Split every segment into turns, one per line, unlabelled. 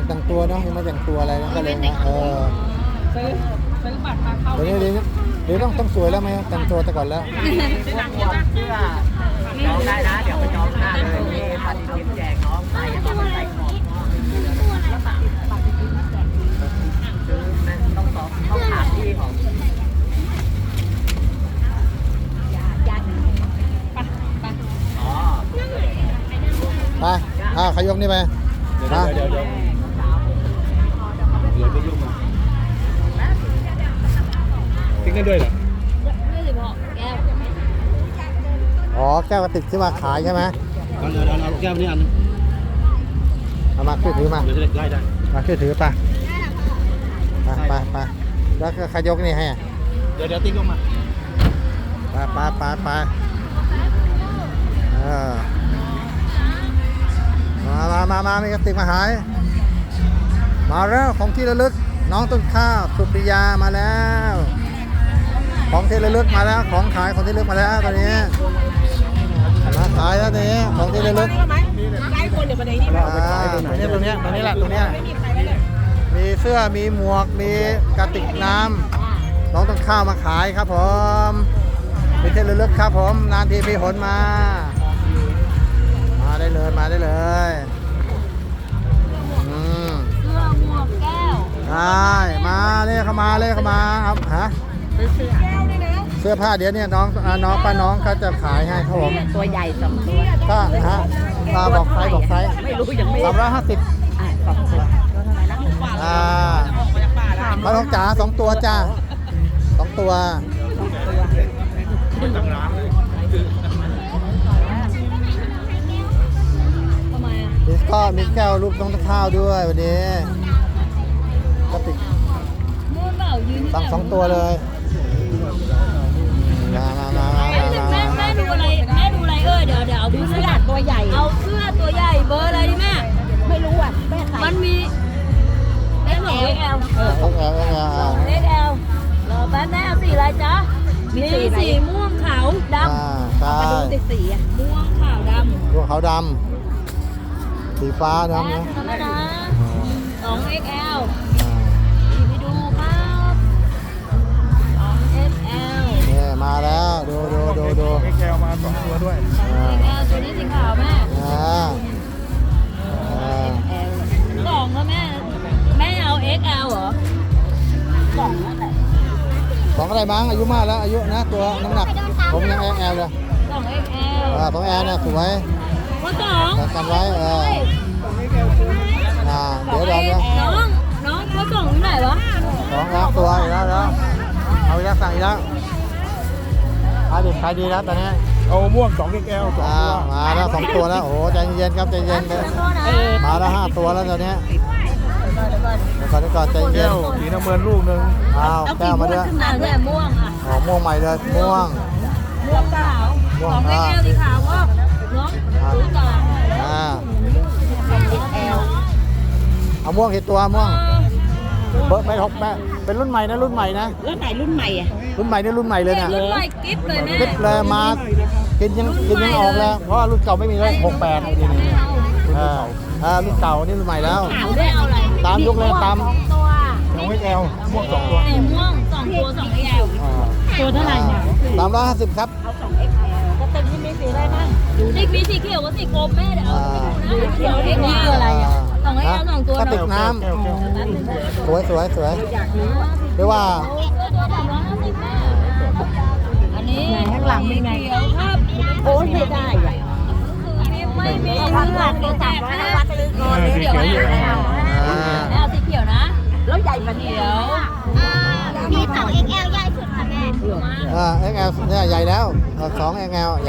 แต่งตัวเนาะยังไม่แต่งตัวอะไรนะก็เลยนะ
ซื้อบัตรมาเข้า
เดี๋ยวต้องสวยแล้วไหมแต่งตัวแต่ก่อนแล้ว
เสื้อจองได้นะเดี๋ยวไปจองหน้าเลยนี่ปฏิทินแจกน้องไปต้องใส่ของต้องถามที่ของ
ไปขยกนี่ไปเดี๋ยวจะยุ่งมาทิ้งได้ด้วยเหรอไม่สิพ่อแก้วอ๋อแก้วกระติกที่มาขายใช่ไหมเอาแก้วนี้อันนึงเอามาช่วยถือมาเดี๋ยวจะได้มาช่วยถือไปแล้วก็ขยกนี่ให้เดี๋ยวติ๊กลงมาไปมามีกระติกมาหายมาแล้วของที่ระลึกน้องต้นข้าวสุปริยามาแล้วของที่ระลึกมาแล้วของขายของที่ระลึกมาแล้วตอนนี้มาขายแล้วตอนนี้ของที่ระลึกตรงนี้แหละมีเสื้อมีหมวกมีกระติกน้ำน้องต้นข้าวมาขายครับผมเป็นที่ระลึกครับผมนานทีมีหนมาได้เลย
เสื้อหมวกแก้ว
ได้มาเลยเข้ามาครับฮะเสื้อผ้าเดี๋ยวเนี่ยน้องป้าน้องเขาจะขายให้ครับผม
ตัวใหญ่2ตัว
ก็ฮะบอกไซส์
ไม่รู้ยังไม่
350ป้าน้องจ๋า2ตัวจ้า2ตัวก็มีแก้วรูปน้องตะข้าวด้วยวันนี้กระติกสั่ง2ตัวเลยมา
แม่ดูอะไรเดี๋ยวเอาเสื้อตัวใหญ่เอาเสื้อตัวใหญ่เบอร์อะไรดิแม่
ไม่รู้อ่ะแม่ใส่
มันมีXL รอแป๊บแม่เอาสีอะไรจ๊ะมีสีม่วงขาวดำ
มา
ดูสี
ม่วงขาวดำ
ม่วงขาวดำสีฟ้าดำนะ
2XL ไปดูครับ2XL
เนี่ยมาแล้วดู
XL มา2ตัวด้วย
XL ตัวนี้สีขาวแม่2แล้วแม่เอา XL เหรอ2อะไร
2อะไรบ้างอายุมากแล้วอายุนะตัวน้ำหนักผมยัง XL เลย
2XL
2L เนี่ยสวยกันไว้เดี๋ยว
น้องเขาส่งที่ไหนวะ
2ตัวอีกแล้วเอาอีกแล้วสั่งอีกแล้วขายดีแล้วตอนนี้
เอาม่วง2XL 2ตัว
มาแล้ว2ตัวแล้วโอ้ใจเย็นครับใจเย็นมาแล้ว5ตัวแล้วตอนนี้ก่อนใจเย็น
สีน้ำเงินลูกนึง
แก้วมาด้วย
ม่วง
ม่วงใหม่เลยม่วง
ขาว2XL สีขาวก็น้องดูต่อ
เอาม่วงกี่ตัวม่วงเบอร์ไม่6แม่เป็นรุ่นใหม่นะรุ่นใหม่อ่ะ
รุ่นใหม่
นี่รุ่นใหม่เลยนะ
รุ่นใหม่กิ๊บเลยแม่
กิ๊บเลยมากินยังออกแล้วเพราะรุ่นเก่าไม่มีเลย68นี่รุ่นเก่านี่รุ่นใหม่แล้วตามยุคเลยตาม
2XL ม่วง2ตัว
ม่วง2ตัว 2XL ตัวเท่าไหร่เนี่ย
350ครับ
จะเต็มที่มีสีอะไรนะ
มีสีเขียวกับสีกรมแม่เดี๋ยวสีเขียวนี่คืออะไรอ่ะ2XL 2ตัว
กระติกน้ำสวยเรียกว่า
อันนี้
ข้างหลังมีไง
ครับ
โอ้ไม่ได้อ่ะ
ไม่มีข้างหลังเดี๋ยวแตกนะเดี๋ยวเอาสีเขียวนะ
แล้วใหญ่กว่านี้
มี2XL ใหญ่สุดค่ะแม่
XL เนี่ยใหญ่แล้ว2XL ใหญ่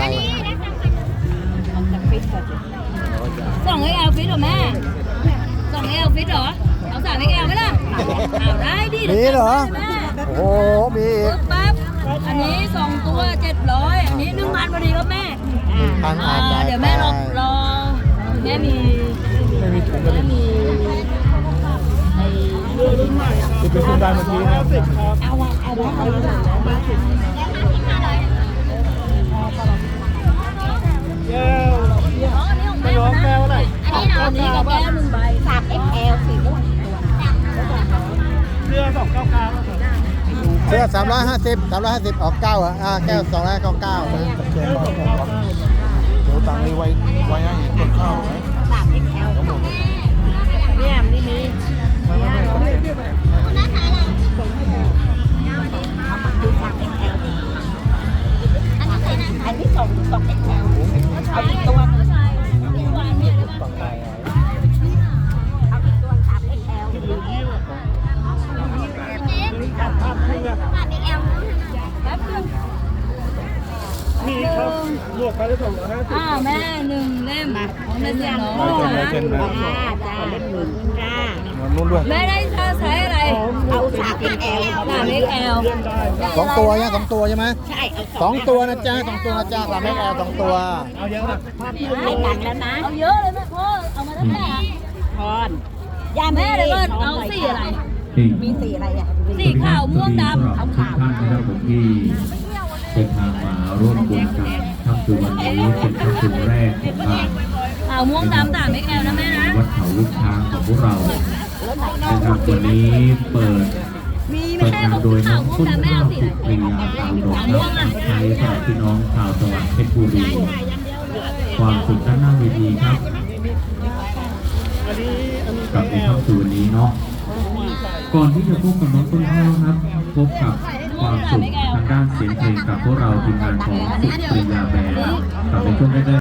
2XL ฟิตเหรอแม่ 2XL ฟิตเหรอเอา3XLไหมล่ะเอาได้ดิ
มีเหรอโอ้มี
ปั๊บอันนี้2ตัว700อันนี้1,000พอดีครับแม่เดี๋ยวแม่รอแม่มี
ถุงกันมีจะเป็นคุณได้เมื่อกี้นะ
เอา
ไม่ร้องแก้วอะไร
อันนี้กับแก้ว1ใบ
3XL สีม่วง
350ออก9แก้ว299
เชียงบางครับเดี๋ยวตังค์นี้ไว้ให้ต้นข้าวไหมทั้งหมดเลย
เนี่ยนี่มี อันนี้2 XL เอาอีกตัวนึงเอาอีกตัว3 XL
มีครับลวกไปแล้วส่งนะ
แม่1 เล่มของแม่เสียน้อง
เซ็นนะ
จ้าเล่ม1จ้า
นู่นด้วย
แม่ได้ใช้อะไรเอา3 XL 3 XL
2 ตัวยัง2 ตัวใช่ไหม
ใช่เอา
2 ตัวนะจ๊ะ2 ตัวนะจ๊ะ3XL 2 ตัว
เอาเยอะนะ
ให้ตังค์แล้วนะเอาเยอะเลยแม่พ่อเอามาตั้งแต่พรย่าแม่เลยก็เอาสีอะไรมีสีอะไรอ่ะสีขาวม่วงดำเอาขาว
ท่านนะครับผมที่เดินทางมาร่วมบุญกันค่ำคืนวันนี้เป็นค่ำคืนแรกของทาง
ขาวม่วงดำ3 XL นะแม่นะ
วัดเขาลูกช้างของพวกเรานะครับวันนี้เปิด
มี
เปิด
แม่
งาน
บอก
โดยน้
ขา
อ
ว
ง
ม่วง
ต้น
ดำแม่
ข้าว
เอาสี
สุปรียาสาวดอกรับใช้สำหรับพี่น้องชาวจังหวัดเพชรบุรีความสุขด้านหน้าเวทีครับกับในค่ำคืนวันนี้เนาะก่อนที่จะพบกับน้องต้นข้าวครับพบกับความสุขทางด้านเสียงเพลงกับพวกเราทีมงานของสุปรียาแบนด์กับในช่วงแรก